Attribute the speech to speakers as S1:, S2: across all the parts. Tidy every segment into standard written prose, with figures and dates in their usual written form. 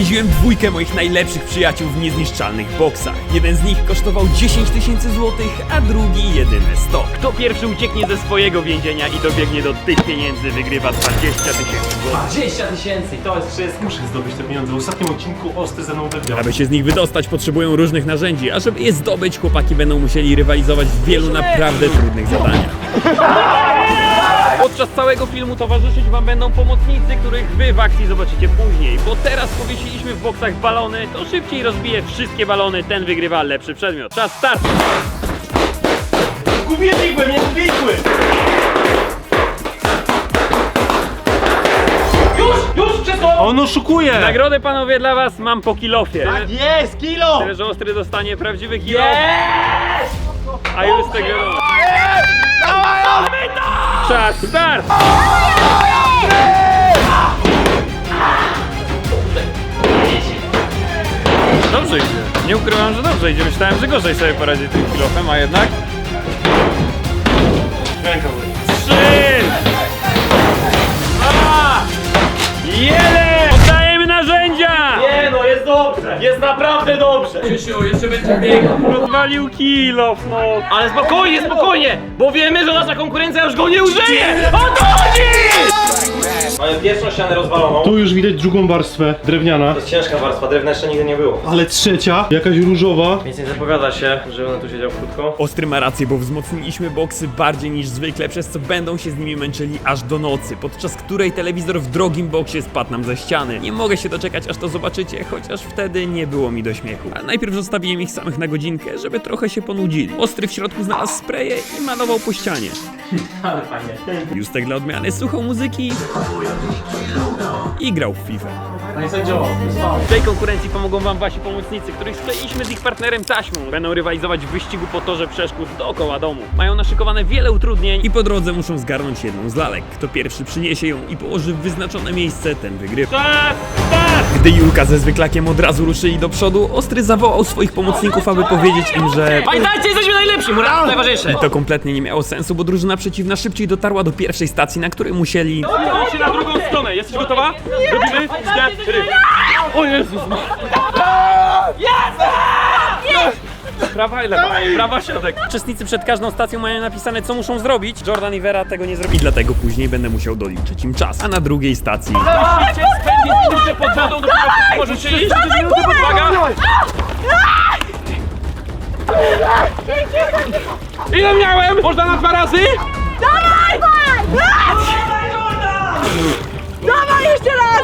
S1: Odwiedziłem dwójkę moich najlepszych przyjaciół w niezniszczalnych boksach. Jeden z nich kosztował 10 000 złotych, a drugi jedyne 100. Kto pierwszy ucieknie ze swojego więzienia i dobiegnie do tych pieniędzy, wygrywa 20 000 złotych.
S2: 20 000, to jest wszystko.
S3: Muszę zdobyć te pieniądze. W ostatnim odcinku Ostry ze mną wygrał.
S1: Aby się z nich wydostać, potrzebują różnych narzędzi, a żeby je zdobyć, chłopaki będą musieli rywalizować w wielu naprawdę trudnych zadaniach. Podczas całego filmu towarzyszyć wam będą pomocnicy, których wy w akcji zobaczycie później. Bo teraz powiesiliśmy w boksach balony, to szybciej rozbije wszystkie balony, ten wygrywa lepszy przedmiot. Czas start!
S3: Gubię nie zbiegły!
S2: Już, wszystko!
S3: On oszukuje!
S1: Nagrodę panowie dla was mam po kilofie.
S3: Tak jest, kilo!
S1: Tyle, że Ostry dostanie prawdziwy kilof. A już z tego... Czas start! Dobrze idzie. Nie ukrywam, że dobrze idzie. Myślałem, że gorzej sobie poradzi tym kilofem, a jednak...
S3: Ręka boli.
S1: 3! 2! 1! Oddajemy narzędzia!
S2: Nie no, jest dobrze! Jest naprawdę dobrze! Krzysiu, jeszcze będzie biegał.
S1: Rozwalił kilof, no.
S2: Ale spokojnie, spokojnie! Bo wiemy, że nasza konkurencja już go nie użyje! O to chodzi! Mamy pierwszą ścianę rozwaloną.
S3: Tu już widać drugą warstwę, drewniana.
S2: To jest ciężka warstwa, drewna jeszcze nigdy nie było.
S3: Ale trzecia, jakaś różowa.
S2: Więc nie zapowiada się, że on tu siedział krótko.
S1: Ostry ma rację, bo wzmocniliśmy boksy bardziej niż zwykle, przez co będą się z nimi męczyli aż do nocy, podczas której telewizor w drogim boksie spadł nam ze ściany. Nie mogę się doczekać, aż to zobaczycie, chociaż wtedy nie było mi do śmiechu. Ale najpierw zostawiłem ich samych na godzinkę, żeby trochę się ponudzili. Ostry w środku znalazł spreje i malował po ścianie.
S2: Ale fajnie.
S1: Justek dla odmiany słuchał muzyki i grał w FIFA.
S2: No i sędziowo.
S1: W tej konkurencji pomogą wam wasi pomocnicy, których skleiliśmy z ich partnerem taśmą. Będą rywalizować w wyścigu po torze przeszkód dookoła domu. Mają naszykowane wiele utrudnień i po drodze muszą zgarnąć jedną z lalek. Kto pierwszy przyniesie ją i położy w wyznaczone miejsce, ten wygrywa. Czas, start! Gdy Julka ze zwyklakiem od razu ruszyli do przodu, Ostry zawołał swoich pomocników, aby powiedzieć im, że...
S2: Pamiętajcie, jesteśmy najlepsi! Mura, najważniejsze!
S1: To kompletnie nie miało sensu, bo drużyna przeciwna szybciej dotarła do pierwszej stacji, na której musieli...
S4: Idźcie na drugą stronę, jesteś gotowa? Robimy 4. O Jezus! Prawa i lewa, prawa środek.
S1: Uczestnicy przed każdą stacją mają napisane, co muszą zrobić. Jordan i Vera tego nie zrobili, dlatego później będę musiał doliczyć im czas. A na drugiej stacji...
S4: Musicie spędzić minutę pod wodą, dopiero możecie iść przez minutę pod uwaga. Ile miałem? Można na 2 razy?
S5: Dawaj! Dawaj jeszcze raz!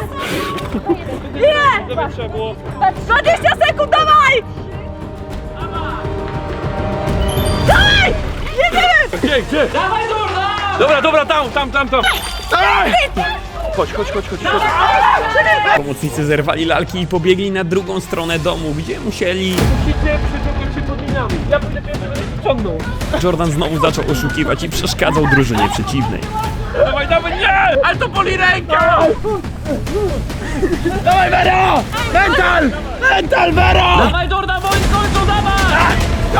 S5: Ile?
S4: Trzeba było...
S5: 20 sekund, dawaj! Dawaj! Jedziemy!
S4: Gdzie? Dobra, tam. Chodź.
S1: Pomocnicy zerwali lalki i pobiegli na drugą stronę domu, gdzie musieli...
S4: Musicie przyciągnąć się pod linami. Ja będę pierwszy ciągnął.
S1: Jordan znowu zaczął oszukiwać i przeszkadzał drużynie przeciwnej.
S4: Dawaj, nie! Ale to boli ręka! Dawaj, Vero! Mental, Vero!
S2: Dawaj, Jordan, bądź w końcu, dawaj!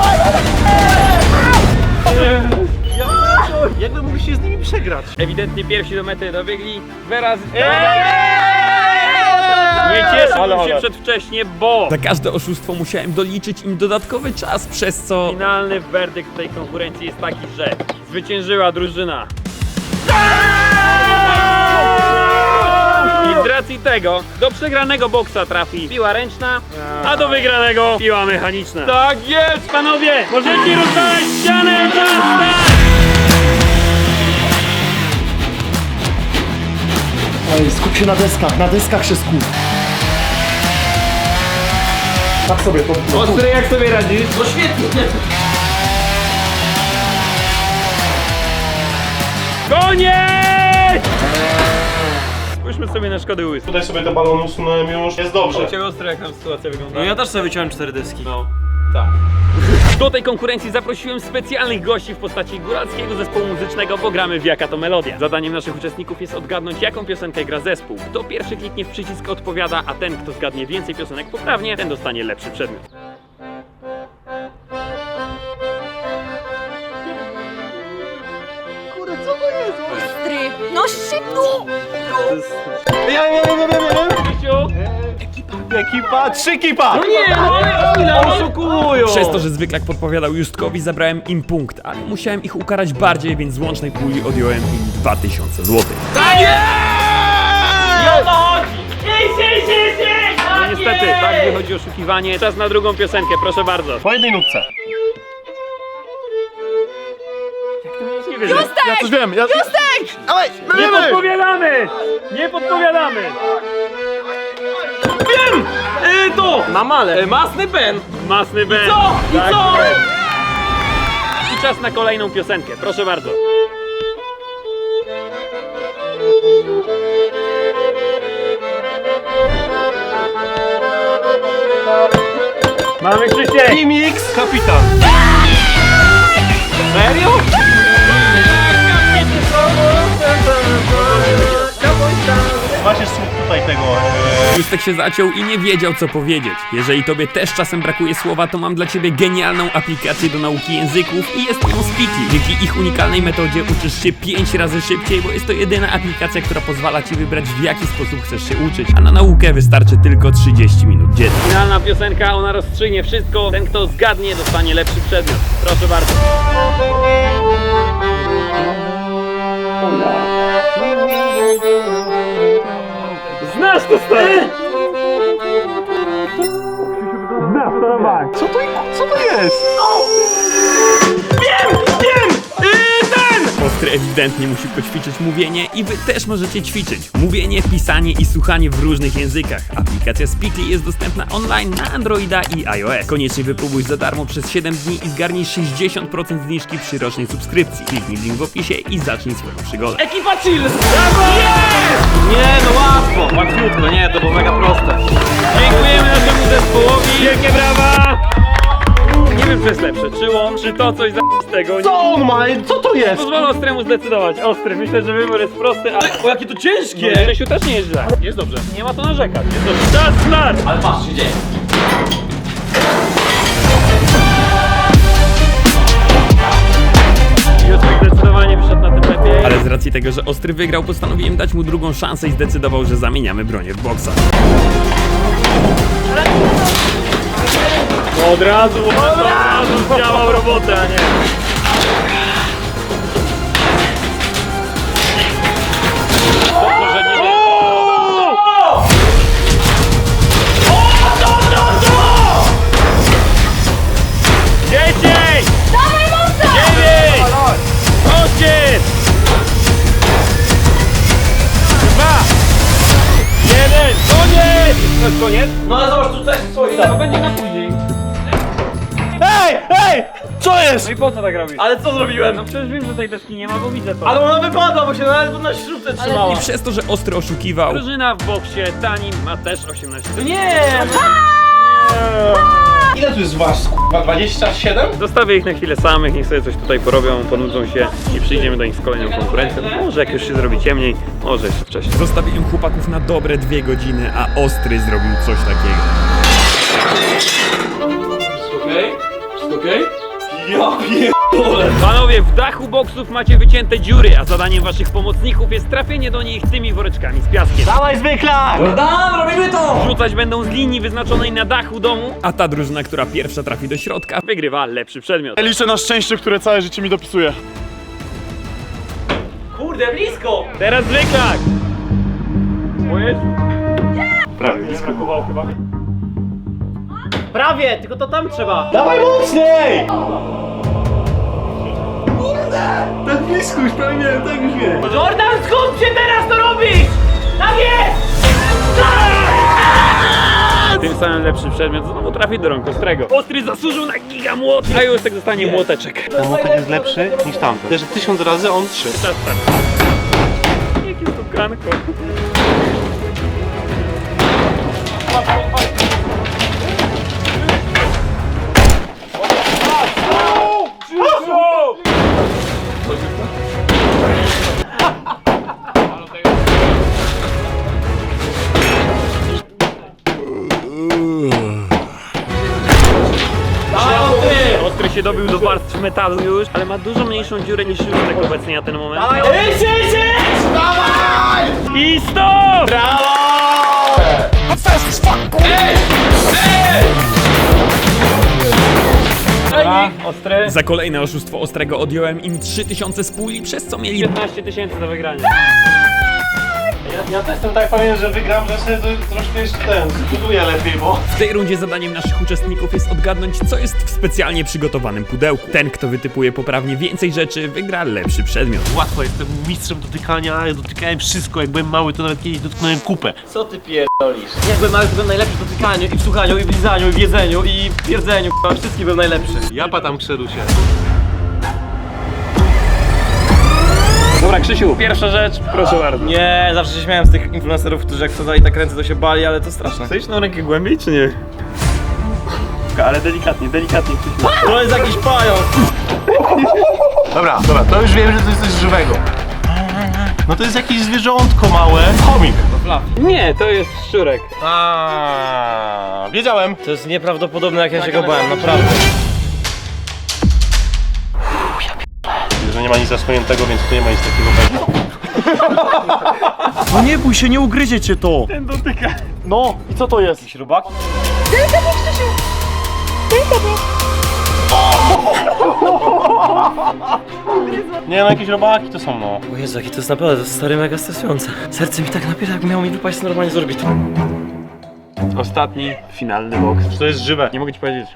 S3: Jakby mógł się z nimi przegrać.
S1: Ewidentnie pierwsi do mety dobiegli. Vera z... Nie cieszył się przedwcześnie, bo... Za każde oszustwo musiałem doliczyć im dodatkowy czas, przez co... Finalny werdykt tej konkurencji jest taki, że zwyciężyła drużyna. I z racji tego do przegranego boksa trafi piła ręczna, a do wygranego piła mechaniczna.
S4: Tak jest!
S1: Panowie, możecie rozwalać ścianę! Czas, start!
S6: Ej, skup się na deskach się skup. Tak sobie to...
S1: Ostry, jak sobie radzisz?
S2: No świetnie!
S1: Koniec! Spójrzmy sobie na szkody łysy.
S3: Tutaj sobie te balony usunąłem już. Jest dobrze.
S1: Ciebie Ostry, jak tam sytuacja wygląda?
S2: No ja też sobie wyciąłem 4 deski.
S1: No, tak. Do tej konkurencji zaprosiłem specjalnych gości w postaci góralskiego zespołu muzycznego, bo gramy w Jaka to Melodia. Zadaniem naszych uczestników jest odgadnąć, jaką piosenkę gra zespół. Kto pierwszy kliknie w przycisk odpowiada, a ten, kto zgadnie więcej piosenek poprawnie, ten dostanie lepszy przedmiot.
S5: Ostry! No szybko!
S1: Krzysiu,
S3: Ekipa, 3 kipa!
S2: No nie, no ale ile oszukują!
S1: Przez to, że zwyklak podpowiadał Justkowi, zabrałem im punkt, ale musiałem ich ukarać bardziej, więc z łącznej puli odjąłem im 2000 zł.
S2: Tak jest! I o to chodzi!
S1: No niestety, tak wychodzi oszukiwanie. Czas na drugą piosenkę, proszę bardzo.
S3: Po jednej nutce.
S1: Nie wierzę.
S3: Ja coś wiem,
S5: Justek!
S3: Dawaj,
S1: Nie podpowiadamy! Nie podpowiadamy!
S2: Wiem! To! Na male. Masny Ben.
S1: Masny Ben.
S2: Co? I
S1: Tak
S2: co?
S1: jest. I czas na kolejną piosenkę, proszę bardzo. Mamy Krzysiek!
S3: Mix, kapitan.
S2: Serio?
S3: Macie słuch tutaj tego.
S1: Justek się zaciął i nie wiedział, co powiedzieć. Jeżeli tobie też czasem brakuje słowa, to mam dla ciebie genialną aplikację do nauki języków i jest nią Speakly. Dzięki ich unikalnej metodzie uczysz się 5 razy szybciej, bo jest to jedyna aplikacja, która pozwala ci wybrać, w jaki sposób chcesz się uczyć, a na naukę wystarczy tylko 30 minut dziennie. Finalna piosenka, ona rozstrzygnie wszystko. Ten, kto zgadnie, dostanie lepszy przedmiot. Proszę bardzo. Znasz to, stary!
S3: Co to jest?
S1: Ostry ewidentnie musi poćwiczyć mówienie i wy też możecie ćwiczyć. Mówienie, pisanie i słuchanie w różnych językach. Aplikacja Speakly jest dostępna online na Androida i iOS. Koniecznie wypróbuj za darmo przez 7 dni i zgarnij 60% zniżki przy rocznej subskrypcji. Kliknij w link w opisie i zacznij swoją przygodę.
S2: Ekipa chill! Brawo! Jest! Nie, no łatwo. Łatwiutko, nie, to było mega proste.
S1: Dziękujemy naszemu zespołowi. Wielkie brawa! Nie wiem, co jest lepsze, czy łom, czy to coś z tego.
S3: Co on ma? Co to jest?
S1: Pozwolę Ostremu zdecydować. Ostry, myślę, że wybór jest prosty, ale...
S2: O, jakie to ciężkie!
S1: Grzesiu też nie jest źle. Jest dobrze. Nie ma to narzekać. Jest dobrze. Czas start!
S2: Ale patrz, się dzieje.
S1: Justek zdecydowanie wyszedł na tym lepiej. Ale z racji tego, że Ostry wygrał, postanowiłem dać mu drugą szansę i zdecydował, że zamieniamy bronię w boksach. Od razu zdziałał robotę, a nie. Dobrze, że nie wiem. Dzieciej!
S5: Dawaj, mocno!
S1: 9! 8! 2! 1! Koniec! To jest koniec?
S2: No ale zobacz, tu coś stoi.
S1: To będzie na później.
S3: Ej, ej! Co jest?
S1: No i po co tak robisz?
S2: Ale co zrobiłem?
S1: No przecież wiem, że tej deski nie ma, bo widzę to.
S2: Ale ona wypadła, bo się nawet na śrubce trzymała.
S1: I przez to, że Ostry oszukiwał, drużyna w boksie Tani ma też 18.
S2: Nie!
S3: Ile tu jest was, k***a? 27?
S1: Zostawię ich na chwilę samych, niech sobie coś tutaj porobią, ponudzą się i przyjdziemy do nich z kolejną konkurencją. Może jak już się zrobi ciemniej, może jeszcze wcześniej. Zostawiłem chłopaków na dobre 2 godziny, a Ostry zrobił coś takiego.
S2: Okej? Wszystko okej? Ja
S1: Panowie, w dachu boksów macie wycięte dziury, a zadaniem waszych pomocników jest trafienie do nich tymi woreczkami z piaskiem.
S3: Dawaj zwyklak!
S2: Jordan, robimy to!
S1: Rzucać będą z linii wyznaczonej na dachu domu, a ta drużyna, która pierwsza trafi do środka, wygrywa lepszy przedmiot.
S3: Liczę na szczęście, które całe życie mi dopisuje.
S2: Kurde, blisko!
S1: Teraz zwyklak! O Jezu.
S3: Prawie blisko.
S1: Brakowało chyba.
S2: Prawie, tylko to tam trzeba.
S3: Dawaj mocniej! Tak blisko już, prawie nie, tak już nie.
S2: Jordan, skup się teraz, to robisz! Tak jest!
S1: Tym samym lepszy przedmiot znowu trafi do rąk Ostrego. Ostry zasłużył na giga młot, a Justek dostanie młoteczek.
S3: Ten młotek jest lepszy niż tamten. Też 1000 razy, on 3.
S1: Czas start. Jakie stukanko. Ostry się dobił do warstw metalu już, ale ma dużo mniejszą dziurę niż Justek obecnie na ten moment.
S2: Idź!
S1: I stop!
S3: Brawo!
S1: Ostry. Za kolejne oszustwo Ostrego odjąłem im 3000 z puli, przez co mieli
S2: 15 000 do wygrania.
S3: Ja też jestem tak pewien, że wygram, że sobie troszkę jeszcze zbuduję lepiej, bo...
S1: W tej rundzie zadaniem naszych uczestników jest odgadnąć, co jest w specjalnie przygotowanym pudełku. Ten, kto wytypuje poprawnie więcej rzeczy, wygra lepszy przedmiot.
S3: Łatwo, jestem mistrzem dotykania, ja dotykałem wszystko, jak byłem mały, to nawet kiedyś dotknąłem kupę.
S2: Co ty pierdolisz? Jak byłem mały, to byłem najlepszy w dotykaniu, i w słuchaniu, i w lizaniu, i w jedzeniu, i w pierdzeniu, wszystkie byłem najlepszy.
S3: Ja patam Krzerusie.
S1: Dobra, Krzysiu, pierwsza rzecz, proszę bardzo.
S2: Nie, zawsze się śmiałem z tych influencerów, którzy jak wsadzali tak ręce, to się bali, ale to straszne.
S1: Chcesz na rękę głębiej, czy nie? Ale delikatnie, delikatnie, Krzysiu.
S2: To jest jakiś pająk.
S3: Dobra, to już wiem, że to jest coś żywego. No to jest jakieś zwierzątko małe. Chomik.
S1: Nie, to jest szczurek.
S3: Wiedziałem.
S2: To jest nieprawdopodobne, jak ja się go bałem, naprawdę.
S3: Że nie ma nic zasłoniętego, więc tu nie ma nic takiego pewnego.
S6: No nie bój się, nie ugryzie cię to.
S1: Ten dotyka.
S6: No, i co to jest?
S2: Śrubak?
S3: Nie no, jakieś robaki to są, no.
S2: O Jezu, jaki to jest naprawdę, to jest stary mega stresujące. Serce mi tak napiera, jakby miało mi wypaść normalnie z orbitu.
S1: Ostatni, finalny boks.
S3: Czy to jest żywe?
S1: Nie mogę ci powiedzieć.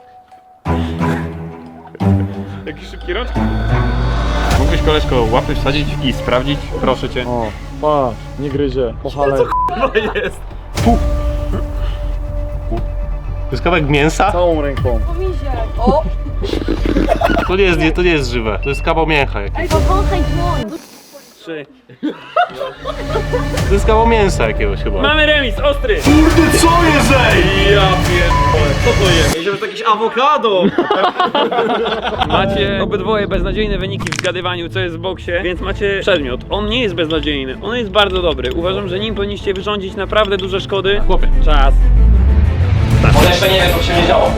S1: Taki szybki rok? Mógłbyś, koleżko, łapy wsadzić i sprawdzić? Proszę cię.
S6: O, patrz, nie gryzie. Pochale.
S3: To jest kawałek mięsa?
S6: Całą ręką.
S5: O!
S3: To nie jest żywe. To jest kawał mięcha jakiegoś.
S5: Powąchaj dłoń!
S1: 3.
S3: To jest kawał mięsa jakiegoś chyba.
S1: Mamy remis, ostry!
S3: Kurde, co jest, ej?
S2: Ja pierdolę, co to jest? Myślałem, że to jakieś awokado!
S1: Macie obydwoje beznadziejne wyniki w zgadywaniu, co jest w boksie, więc macie przedmiot. On nie jest beznadziejny, on jest bardzo dobry. Uważam, że nim powinniście wyrządzić naprawdę duże szkody.
S3: Chłopie.
S1: Czas.
S2: On jeszcze nie wie, co się nie działo.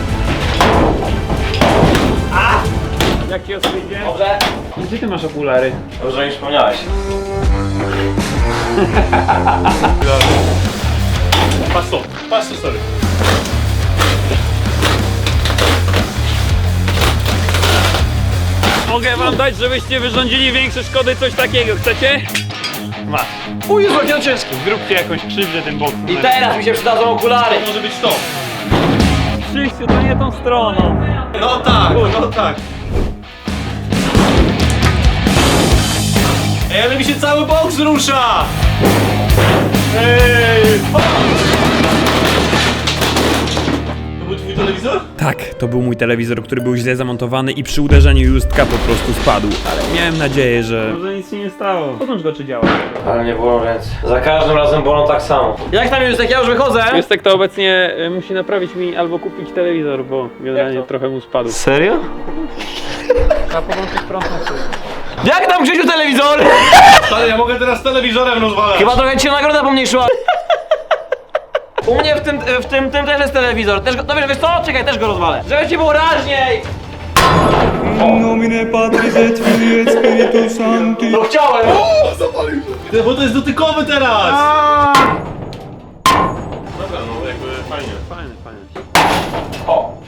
S1: Jak ci ostry idzie?
S2: Dobrze?
S1: Gdzie ty masz okulary?
S2: Dobrze, już wspomniałeś.
S3: Patrz to, sorry.
S1: Mogę wam dać, żebyście wyrządzili większe szkody, coś takiego. Chcecie? Masz.
S3: O Jezu, jakie ciężkie.
S1: Zróbcie jakąś krzywdę tym boksem.
S2: I teraz mi się przydadzą okulary!
S3: Może być to.
S1: Krzysiu, to nie tą stroną.
S3: No tak, no tak. Ej, ale mi się cały boks rusza! Ej! To był twój telewizor?
S1: Tak, to był mój telewizor, który był źle zamontowany i przy uderzeniu Justka po prostu spadł. Ale miałem nadzieję, że... Może nic się nie stało. Podłącz go, czy działa.
S2: Ale nie bolą ręce. Za każdym razem bolą tak samo. Jak tam Justek, ja już wychodzę!
S1: Justek to obecnie musi naprawić mi albo kupić telewizor, bo generalnie trochę mu spadł.
S3: Serio?
S1: Trzeba podłączyć prąd na tył.
S2: Jak tam Grzesiu telewizor?
S3: Ale ja mogę teraz telewizorem rozwalać.
S2: Chyba trochę ci się nagroda pomniejszyła. U mnie w tym też jest telewizor. Też go, no wiesz co? Czekaj, też go rozwalę. Żeby ci było raźniej!
S7: Nomine Patris et Filii et Spiritus Sancti.
S2: No chciałem!
S3: Bo to jest dotykowy teraz! Dobra, no jakby fajnie.
S1: Fajne, fajne.
S2: O!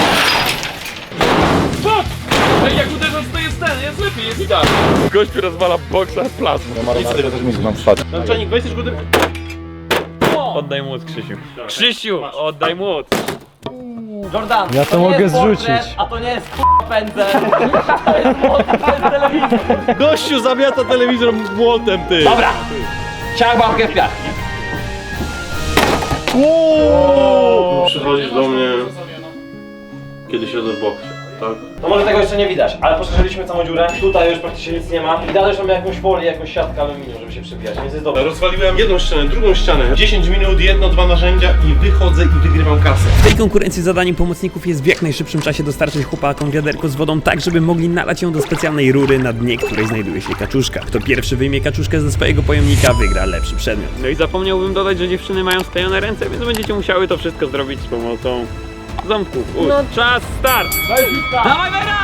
S4: Ej, jak uderzasz, to jest ten, jest lepiej, jest idealnie. Gościu rozwala boksa plazmą.
S3: Naczelnik, weź też go
S1: Oddaj młot, Krzysiu. Krzysiu, oddaj młot.
S2: Jordan,
S6: Ja to
S2: nie
S6: mogę
S2: jest portret,
S6: zrzucić.
S2: a to nie jest pędzel. To jest telewizor.
S3: Gościu zamiata telewizor młotem, ty!
S2: Dobra! Ciach babkę w piach.
S3: Przychodzisz do mnie, kiedy siedzę w boksie, tak?
S2: No może tego jeszcze nie widać, ale poszerzyliśmy całą dziurę. Tutaj już praktycznie nic nie ma. I dalej już mamy jakąś folię, jakąś siatkę aluminium, żeby się przebijać, więc jest dobrze.
S3: Rozwaliłem jedną ścianę, drugą ścianę. 10 minut, jedno, dwa narzędzia i wychodzę i wygrywam kasę.
S1: W tej konkurencji zadaniem pomocników jest w jak najszybszym czasie dostarczyć chłopakom wiaderko z wodą tak, żeby mogli nalać ją do specjalnej rury, na dnie której znajduje się kaczuszka. Kto pierwszy wyjmie kaczuszkę ze swojego pojemnika, wygra lepszy przedmiot. No i zapomniałbym dodać, że dziewczyny mają sklejone ręce, więc będziecie musiały to wszystko zrobić z pomocą ząbków. Czas, start!
S2: Dawaj Wera!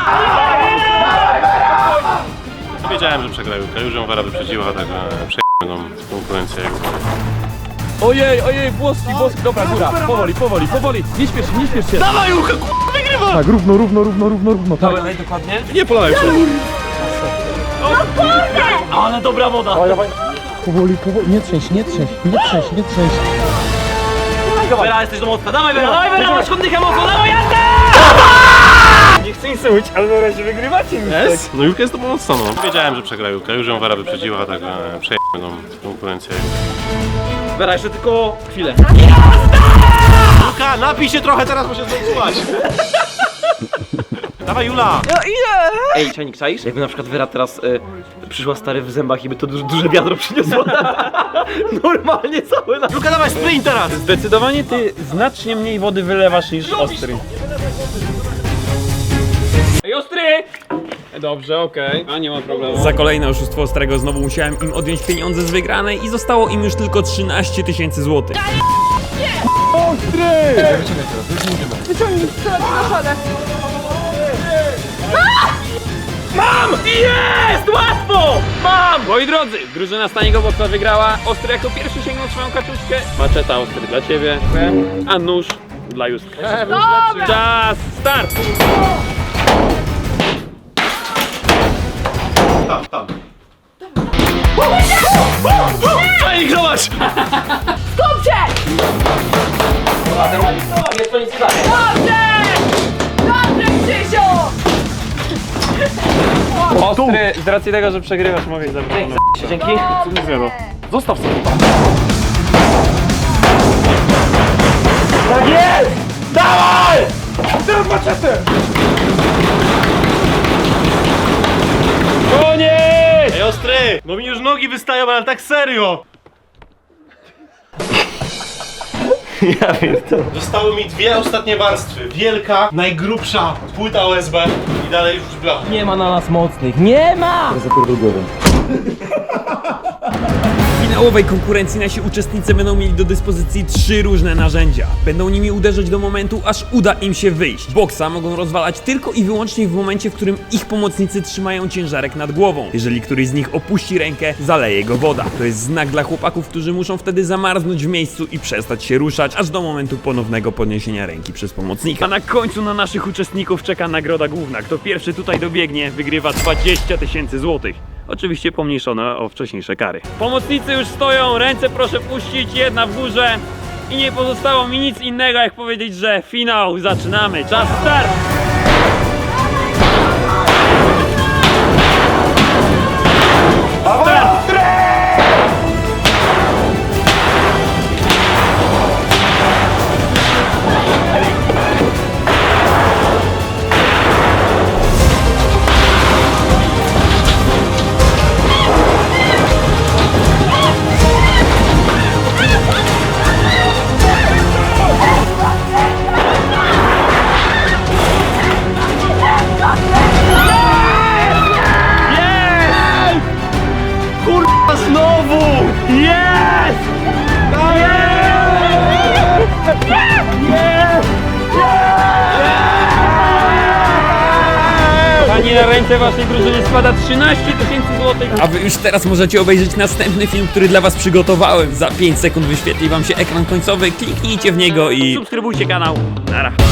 S3: Wiedziałem, że przegrają. Już ją Wera wyprzedziła, także przejdziemy tą konkurencję.
S4: Ojej, włoski, dobra, góra. Powoli. Nie śpiesz się.
S3: Dawaj, Julka, wygrywa!
S6: Tak, równo. Tak.
S2: Dawaj dokładnie.
S3: Nie polałem się.
S2: Ale dobra woda.
S6: Powoli, nie trzęś.
S2: Vera, jesteś do mocna. Dawaj, Vera, masz chodnika mocno, dawaj, jazda!
S1: Nie chcę nic mówić, ale na razie wygrywacie mi.
S3: Jest? No Julka jest to mocno, no. Wiedziałem, że przegra Julka, już ją Wera wyprzedziła, tak przejdziemy tą konkurencję.
S2: Vera, jeszcze tylko chwilę.
S3: Julka, napij się trochę teraz, bo się zepsułaś. Dawaj, Jula!
S2: Ej, czajnik, czaisz? Jakby na przykład Vera teraz przyszła stary w zębach i by to duże wiadro przyniosło. Normalnie całe na...
S3: Julka, dawaj, sprint teraz!
S1: Zdecydowanie ty znacznie mniej wody wylewasz niż ostry. Ej, ostry! Dobrze, okej. A nie ma problemu. Za kolejne oszustwo ostrego znowu musiałem im odjąć pieniądze z wygranej i zostało im już tylko 13 000 złotych.
S5: Wyciągnij na szadę.
S2: Jest! Łatwo! Mam!
S1: Moi drodzy, drużyna Staniego Boksa wygrała. Ostry jako pierwszy sięgnął swoją kaczuszkę. Maczeta ostry dla ciebie. A nóż dla Justka. Czas, start!
S3: Tam. Ej, zobacz!
S5: Skupcie!
S2: Jest to nic stanie.
S5: Dobrze, Krzysiu!
S1: Ostry, z racji tego, że przegrywasz, mogę zabrać.
S2: Dzięki.
S1: Zostaw sobie.
S2: Tak jest! Dawaj!
S1: Koniec!
S3: Ej, ostry! No mi już nogi wystają, ale tak serio!
S2: Ja wiem to.
S3: Zostały mi dwie ostatnie warstwy. Wielka, najgrubsza płyta OSB i dalej już blacha.
S2: Nie ma na nas mocnych. Nie ma!
S1: W finałowej konkurencji nasi uczestnicy będą mieli do dyspozycji 3 różne narzędzia. Będą nimi uderzać do momentu, aż uda im się wyjść. Boksa mogą rozwalać tylko i wyłącznie w momencie, w którym ich pomocnicy trzymają ciężarek nad głową. Jeżeli któryś z nich opuści rękę, zaleje go woda. To jest znak dla chłopaków, którzy muszą wtedy zamarznąć w miejscu i przestać się ruszać, aż do momentu ponownego podniesienia ręki przez pomocnika. A na końcu na naszych uczestników czeka nagroda główna. Kto pierwszy tutaj dobiegnie, wygrywa 20 000 złotych. Oczywiście pomniejszone o wcześniejsze kary. Pomocnicy już stoją, ręce proszę puścić, jedna w górze. I nie pozostało mi nic innego, jak powiedzieć, że finał zaczynamy. Czas start!
S3: Kurwa, znowu!
S1: Jest! Kochani, na ręce waszej drużyny spada 13 000 złotych. A wy już teraz możecie obejrzeć następny film, który dla was przygotowałem. Za 5 sekund wyświetli wam się ekran końcowy, kliknijcie w niego i subskrybujcie kanał. Nara.